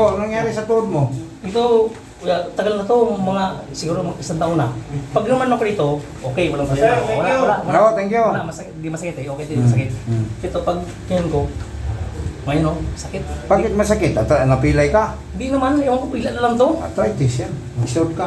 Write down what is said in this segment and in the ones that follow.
Oh, anong nangyari sa tuhod mo? Ito, tagal na to, mga siguro isang taon na. Pag naman ako dito, okay, walang problema. Oh, thank you. Wala, di masakit eh. Okay, di masakit. Ito, pag ganyan ko, ngayon oh, sakit. Bakit masakit? At napilay ka? Hindi naman, ewan ko, pila na lang to. Arthritis yan. Mag-short ka.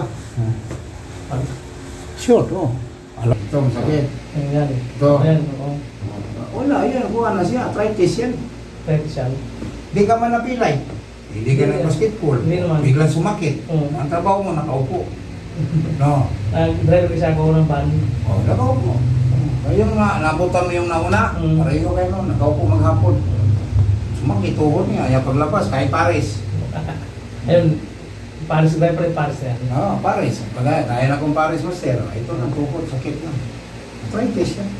Short, oh. Alam ito, masakit. Ayan eh. Ito. Ayan, oo. Wala, yan. Kuha na siya. Arthritis yan. Pwede siya. Hindi ka man napilay. Hindi ka nag-basketball. Hindi naman. Biglang sumakit. Ang trabaho mo, nakaupo. No. Driver kasi ako ng van. Oh, nakaupo. Ayun nga, nabutan mo yung nauna. Pareho kayo nun, nakaupo maghapon. Sumakit, tuhod niya. Ayaw paglabas, kahit Paris. Ayun, Paris, driver Paris yan. Oo, Paris. Kaya na kong Paris master. Ito, nagtukod, sakit na. Arthritis yan.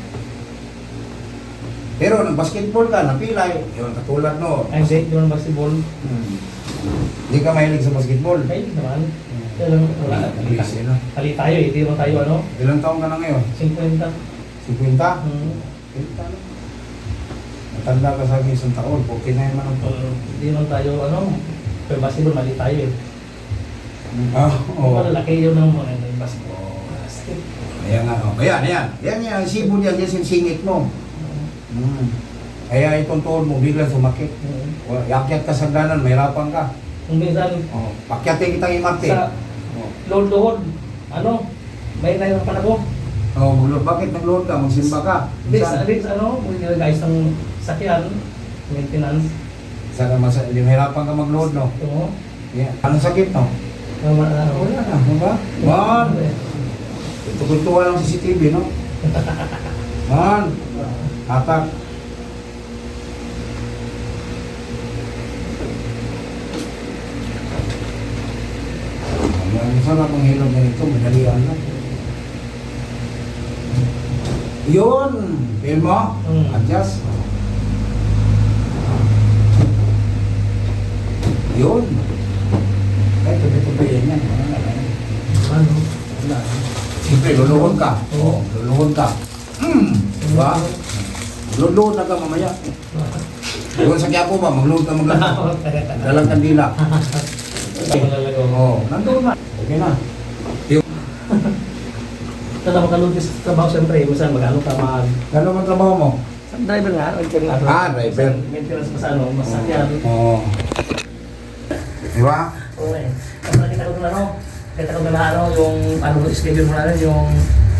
Pero nag-basketball ka, napilay. Yun, katulad no. Ay, hindi naman basketball. Hindi ka mahilig sa basketball. Ay, hindi naman. Kaya lang, wala. Busy na. Kali tayo eh, hindi naman tayo ano. Ilang taon ka na ngayon? 50. 50? 50 na. Matanda ka sa akin isang taon. Okay na yung manong to. Hindi naman tayo ano. Pero basketball, mali tayo eh. Oo. Malalaki yun ng mga basketball. Ayan nga. Ayan, ayan. Ayan yan. Sibol yan. Yan singit mo. Kaya itong tuhod mo biglang sumakit. Yakyat ka sa ganan, mahirapan ka. Kung minsan, pakyatin kitang imarte. sa load-load, ano, may nahirapan ako. Bakit nag-load ka? Magsimba ka? This ano, kung hindi guys ng sakyan, maintenance. Hindi mahirapan ka mag-load, no? Oo. Yeah. Anong sakit, no? Wala na, diba? Man! Tukultuwa lang sa CCTV, no? Man! Atak! Ang sarap ang hilog ganito, madalian lang. Yun! Feel mo? Adjust. Yun! Ay, tubi-tubi yan yan. Ano? Wala. Siyempre, luluhod ka. Oo, luluhod ka. Diba? Luluhod na ka mamaya. Doon sa Quiapo ba? Magluhod ka magluhod. Dalang kandila. Oo, nandun na. Okay na. Tala makalod sa trabaho siyempre, minsan magano ka Gano'n ang trabaho mo? driver nga, driver. Driver. Maintenance pa sa ano, masakyan. Oo. Diba? Oo eh. Ang nakita ko na ano, kita ko na ano, yung ano schedule mo na yung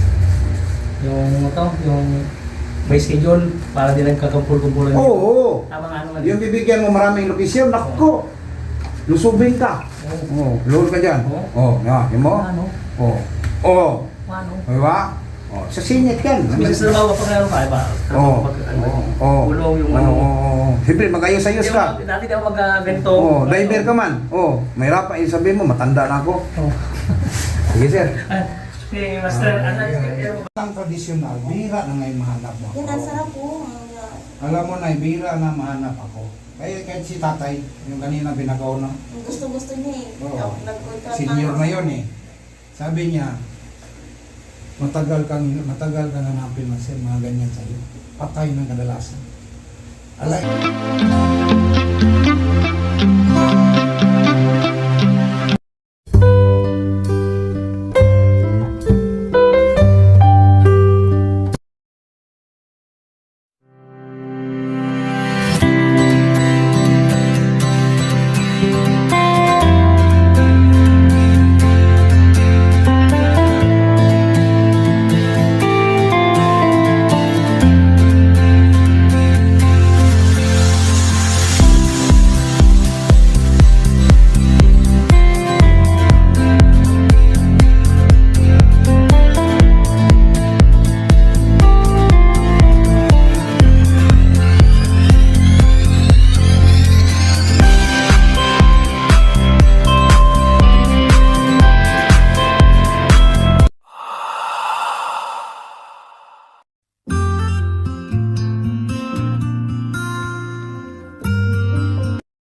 may schedule para di lang kakampul-kumpulan. Oo. Tama nga naman. Yung bibigyan mo maraming lokasyon, nakko. Lusubin ka. Oo. Luhod ka dyan. Oo. Yun mo? Ano? Oo. Oo. Ano? Diba? Oo. Sa singit yan. Minsan sa bawa pa kayo pa, iba? Oo. Oo. Ulong yung ano. Oo. Siyempre, mag-ayos-ayos ka. Dati di ako mag-ganito. Oo. Driver ka man. Oo. Mahirap pa. Sabihin mo, matanda na ako. Oo. Sige, sir. Si Master, Ang tradisyonal, bihira na ngayon mahanap mo. Yan, ang sarap po. Alam mo na, bihira na mahanap ako. Kaya kahit si tatay, yung kanina binagaw na, Gusto-gusto niya eh. Oo. Nag-contract senior na yun eh. Sabi niya, matagal ka nanapin man sir, mga ganyan sa'yo. Patay ng kadalasan. Alay.